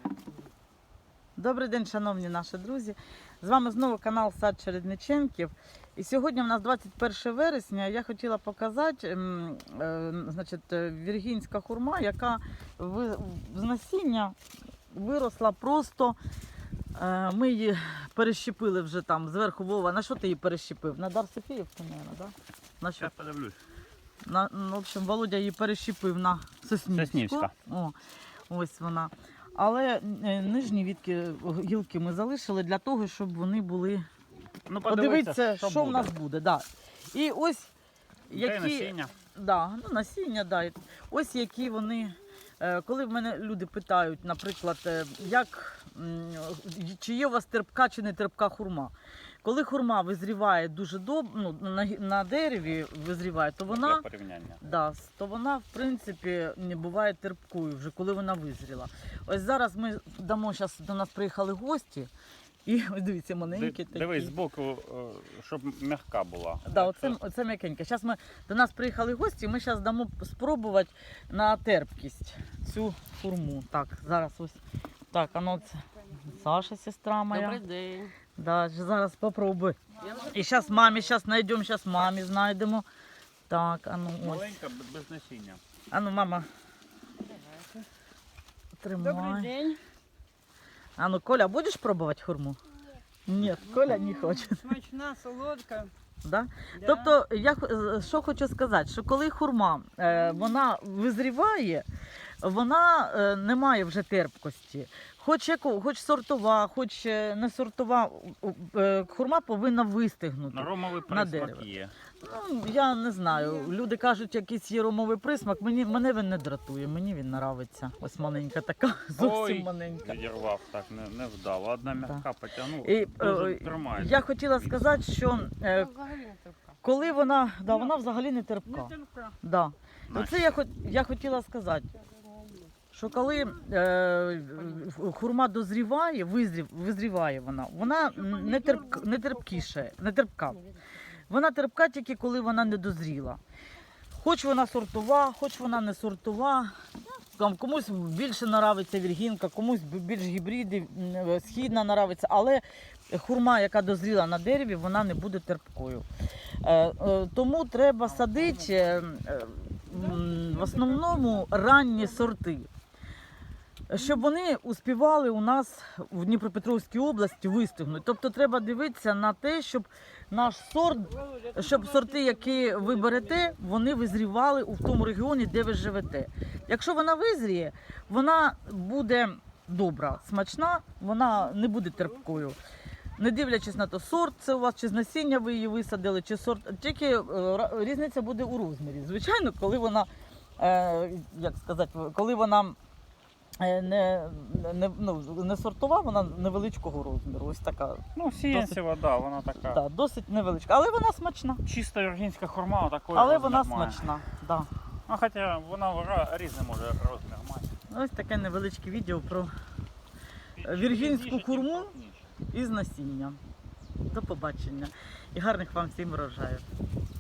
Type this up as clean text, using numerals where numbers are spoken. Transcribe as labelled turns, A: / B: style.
A: Добрий день, шановні наші друзі. З вами знову канал Сад Чередниченків. І сьогодні у нас 21 вересня. Я хотіла показати віргінська хурма, яка з насіння виросла просто. Ми її перещепили вже там зверху. Вова, на що ти її перещепив? На Дар Софіївку, мабуть, так? На що?
B: Я подивлюсь.
A: В общем, Володя її перещепив на соснівську.
B: Соснівська.
A: О, ось вона. Але нижні гілки ми залишили для того, щоб вони були.
B: Ну,
A: подивіться, що в нас буде. Да. І ось які
B: насіння.
A: Да, насіння, да. Ось які вони. Коли в мене люди питають, наприклад, чи є у вас терпка чи не терпка хурма. Коли хурма визріває дуже добре, на дереві визріває, то вона, то вона в принципі не буває терпкою, вже коли вона визріла. Ось зараз ми зараз до нас приїхали гості, і ось дивіться, маленькі такі.
B: Дивись збоку, щоб м'яка була.
A: Да, оце м'якеньке. Зараз до нас приїхали гості, і ми зараз дамо спробувати на терпкість цю хурму. Так, зараз ось. Так, це Саша, сестра моя.
C: Добрий день.
A: Да, зараз попробуй. І зараз знайдемо, мамі знайдемо. Так, ось.
B: Маленька, без насіння.
A: Мама. Тримай.
C: Добрий день.
A: Коля, будеш пробувати хурму? Ні, Коля не хоче.
C: Смачна, солодка.
A: Да?
C: Да.
A: Тобто, я що хочу сказати, що коли хурма вона визріває, вона не має вже терпкості. Хоч сортова, хоч не сортова, хурма повинна вистигнути.
B: Ромовий присмак є.
A: Я не знаю. Люди кажуть, якийсь є ромовий присмак. Мене він не дратує, мені він подобається. Ось маленька така, зовсім маленька.
B: Відірвав, так, не вдав. Одна м'яка потягнула, тримається.
A: Я хотіла сказати, що коли вона взагалі не терпка.
C: Не терпка.
A: Да. Оце я хотіла сказати, що коли хурма дозріває, визріває вона не терпка. Вона терпка тільки коли вона не дозріла. Хоч вона сортова, хоч вона не сортова. Комусь більше подобається віргінка, комусь більш гібриди, східна подобається, але хурма, яка дозріла на дереві, вона не буде терпкою. Тому треба садити в основному ранні сорти, щоб вони успівали у нас в Дніпропетровській області вистигнути. Тобто треба дивитися на те, щоб сорти, які ви берете, вони визрівали у тому регіоні, де ви живете. Якщо вона визріє, вона буде добра, смачна, вона не буде терпкою. Не дивлячись на то, сорт це у вас, чи з насіння ви її висадили, чи сорт, тільки різниця буде у розмірі. Звичайно, коли вона, коли вона не сортова, вона невеличкого розміру. Ось така.
B: Сіянцева, вона така.
A: Да, досить невеличка, але вона смачна.
B: Чиста віргінська хурма, такої.
A: Але вона смачна. Да.
B: Хоча вона різний може розмір мати.
A: Ось таке невеличке відео про віргінську хурму із насіння. До побачення і гарних вам всім врожаїв.